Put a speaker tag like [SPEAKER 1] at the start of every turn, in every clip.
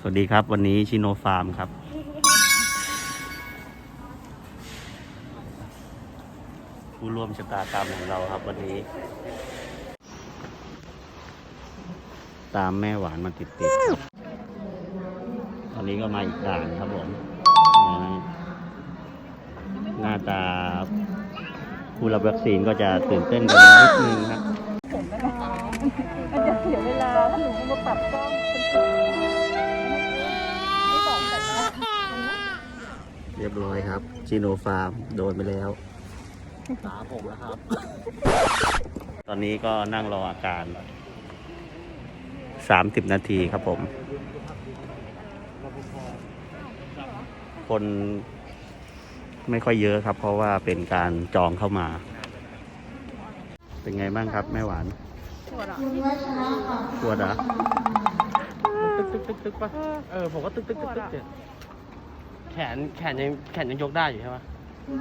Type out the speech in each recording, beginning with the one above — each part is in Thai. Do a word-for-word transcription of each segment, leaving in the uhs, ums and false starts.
[SPEAKER 1] สวัสดีครับวันนี้ชิโนฟาร์มครับผู้ร่วมชะตากรรมของเราครับวันนี้ตามแม่หวานมาติดติดครับตอนนี้ก็มาอีกด่านครับผมหน้าตาผู้รับวัคซีนก็จะตื่นเต้นกันนิดนึงครับ
[SPEAKER 2] มันจะเสียเวลาถ้าหนูมาปรับกล้องไม่สองแต่ละ
[SPEAKER 1] เรียบร้อยครับชิโนฟาร์มโดนไปแล้วตาผมแล้วครับตอนนี้ก็นั่งรออาการสามสิบนาทีครับผมคนไม่ค่อยเยอะครับเพราะว่าเป็นการจองเข้ามาเป็นไงบ้างครับแม่หวานปวดอ่ะปวดอ่ะ
[SPEAKER 3] ตึกตึกตึกตึกป่ะเออผมก็ตึกตึกตึกตึกเนี่ยแขนแขนยังแขนยังยกได้อยู่ใช่ไหม
[SPEAKER 2] ห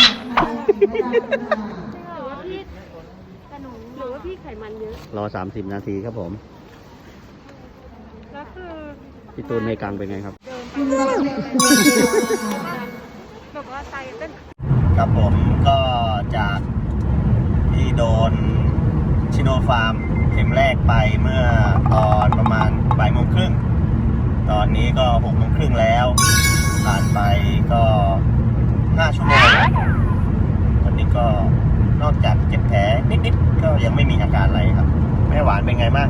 [SPEAKER 2] รือว่าพี่กระหนูหรือว่าพี่ไขมันเยอะ
[SPEAKER 1] รอสามสิบนาทีครับผม
[SPEAKER 2] แล้วคือ
[SPEAKER 1] พี่ตูนในกลางเป็นไงครับ
[SPEAKER 2] เดินไปแบบว่าใจเต้น
[SPEAKER 1] ครับผมก็จากที่โดนชิโนฟาร์มเข็มแรกไปเมื่อตอนประมาณบ่ายโมงครึ่งตอนนี้ก็หกโมงครึ่งแล้วผ่านไปก็ห้าชั่วโมงตอนนี้ก็นอกจากเจ็บแผลนิดๆก็ยังไม่มีอาการอะไรครับแม่หวานเป็นไงบ้าง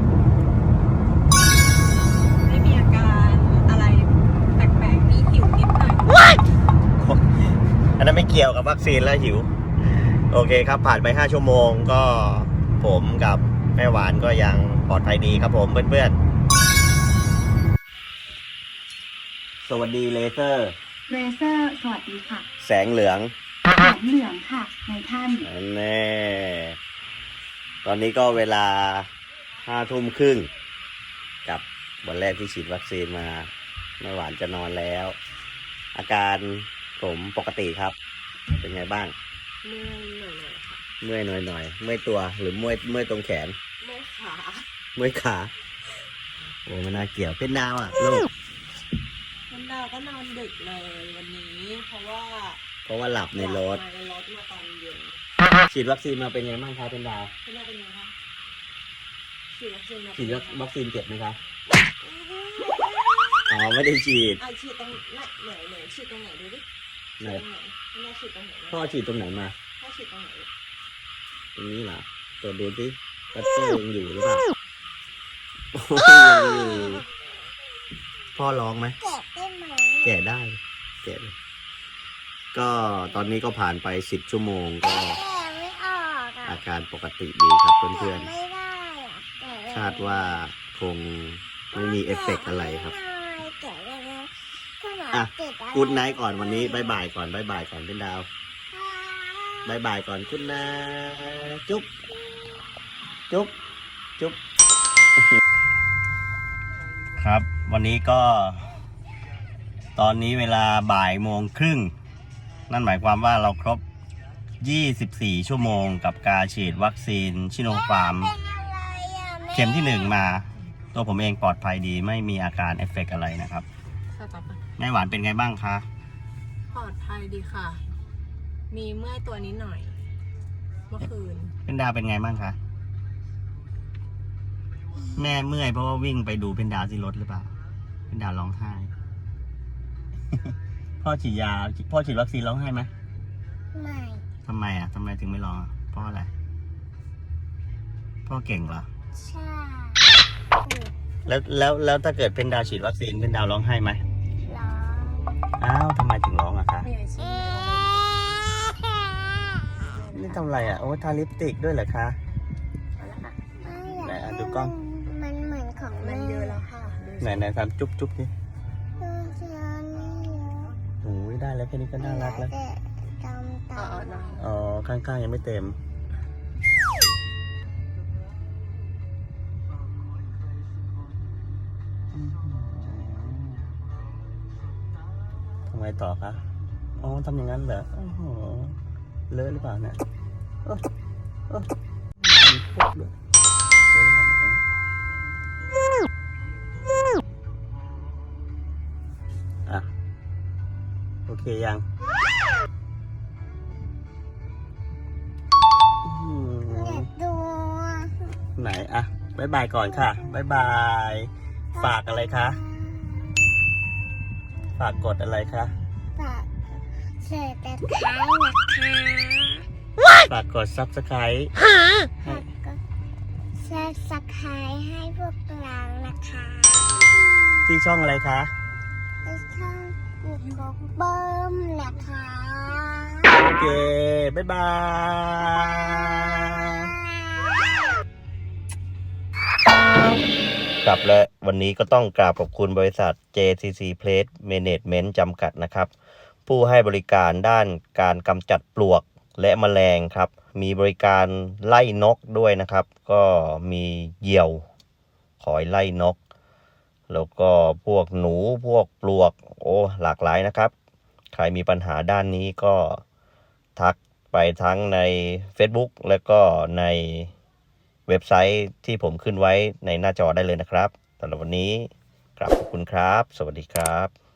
[SPEAKER 2] ไม่มีอาการอะไรแปลกๆมีหิวนิดหน่อย
[SPEAKER 1] อันนั้นไม่เกี่ยวกับวัคซีนแล้วหิวโอเคครับผ่านไปห้าชั่วโมงก็ผมกับแม่หวานก็ยังปลอดภัยดีครับผมเพื่อนๆสวัสดีเลเซอร์
[SPEAKER 4] เลเซอร์สวัสดีค่ะ
[SPEAKER 1] แสงเหลือง
[SPEAKER 4] แสงเหลืองค่ะในท่าน
[SPEAKER 1] แน่ตอนนี้ก็เวลาห้าทุ่มครึ่งกับวันแรกที่ฉีดวัคซีนมาแม่หวานจะนอนแล้วอาการผมปกติครับเป็นไงบ้างเมื่อยหน่อยๆค่ะเมื่อยหน่อยๆเมื่อยตัวหรือเมื่อยเมื่อยตรงแขน
[SPEAKER 2] เมื่อยขา
[SPEAKER 1] เมื่อยขาโอ้มันน่าเกี่ยวเป็นดาวอ่ะลูก
[SPEAKER 2] เป็นดาวก็นอนดึกเลยวันนี้เพราะว่า
[SPEAKER 1] เพราะว่าหลับในรถ
[SPEAKER 2] ในรถมาตอนเย็น
[SPEAKER 1] ฉีดวัคซีนมาเป็นไงบ้างครับเป็นดาว
[SPEAKER 2] เป็นดาวเป็นไงคะฉีดวัคซีน
[SPEAKER 1] ฉีดวัคซีนเจ็บไหมครับอ๋อไม่ได้ฉีด
[SPEAKER 2] อ่ะฉีดตรงไหนไหนไหนฉีดตรงไหนดูดิ
[SPEAKER 1] ไหน
[SPEAKER 2] แม่ฉีดตรงไหน
[SPEAKER 1] พ่อฉีดตรงไหนมา
[SPEAKER 2] พ่อฉีดตรงไหน
[SPEAKER 1] ตรงนี้เหรอตรวจดูสิปัตเตอร์ยังอยู่หรือเปล่าพ่อร้องไหมแกะได้ไหมแกะได้แกะเลยก็ตอนนี้ก็ผ่านไปสิบชั่วโมงก็อาการปกติดีครับเพื่อนๆคาดว่าคงไม่มีเอฟเฟกต์อะไรครับอ่ะกู๊ดไนท์ก่อนวันนี้บายบายก่อนบายบายก่อนเป็นดาวบายบายก่อนคุณนะจุ๊บจุ๊บจุ๊บครับวันนี้ก็ตอนนี้เวลาบ่ายโมงครึ่งนั่นหมายความว่าเราครบยี่สิบสี่ชั่วโมงกับการฉีดวัคซีนชิโนฟาร์มเข็มที่หนึ่งมาตัวผมเองปลอดภัยดีไม่มีอาการเอฟเฟกต์อะไรนะครับแม่หวานเป็นไงบ้างคะ
[SPEAKER 2] ปลอดภัยดีค่ะมีเมื่อยตัวนิดหน่อยเมื่อคืน
[SPEAKER 1] เป็นดาวเป็นไงบ้างคะแม่เมื่อยเพราะว่าวิ่งไปดูเป็นดาวที่รถหรือเปล่าเป็นดาวร้องไห้ พ่อฉีดยาพ่อฉีดวัคซีนร้องไห้ไหมไม่ทำไมอ่ะทำไมถึงไม่ร้องเพราะอะไรพ่อเก่งเหรอใช่แล้วแล้วแล้วถ้าเกิดเป็นดาวฉีดวัคซีนเป็นดาวร้องไห้ไหมร้องอ้าวทำไมถึงร้องอะคะนี่ทำอะไรอ่ะโอ้ทาลิปสติกด้วยเหรอคะไหนดูกล้อง
[SPEAKER 4] มันเหมือนของ
[SPEAKER 2] มันเยอะแล้วค่ะ
[SPEAKER 1] ไหนไหนทำจุ๊บจุ๊บดิโอ้ยได้แล้วแค่นี้ก็น่ารักแล้วอ๋อข้างๆยังไม่เต็มทำไมต่อคะอ๋อทำอย่างนั้นเหรอโอ้โหเลอะหรือเปล่าเนี่ยโอ้โอ้มีพวกด้วยเลอะหรือเปล่าโอเคยังอืม
[SPEAKER 4] ดู
[SPEAKER 1] ไหนอะบายบายก่อนค่ะบายบาย ฝากอะไรคะ ฝากกดอะไรคะ
[SPEAKER 4] ฝากเสิร์ฟแต่ท้ายนะคะ
[SPEAKER 1] ฝากกด ซับสไครบ์
[SPEAKER 4] ฝากก็แชร์สักคายให้พวกเรานะคะ
[SPEAKER 1] ที่ช่องอะไรคะ
[SPEAKER 4] ในช่องยูทูบเบิ้มนะคะ
[SPEAKER 1] โอเคบายบาย กลับและวันนี้ก็ต้องกราบขอบคุณบริษัท เจ ซี ซี Place Management จำกัดนะครับ ผู้ให้บริการด้านการกำจัดปลวกและแมลงครับ มีบริการไล่นกด้วยนะครับ ก็มีเหยี่ยวคอยไล่นก แล้วก็พวกหนูพวกปลวกโอ้หลากหลายนะครับ ใครมีปัญหาด้านนี้ก็ทักไปทั้งใน Facebook และก็ในเว็บไซต์ที่ผมขึ้นไว้ในหน้าจอได้เลยนะครับสำหรับวันนี้กราบขอบคุณครับ สวัสดีครับ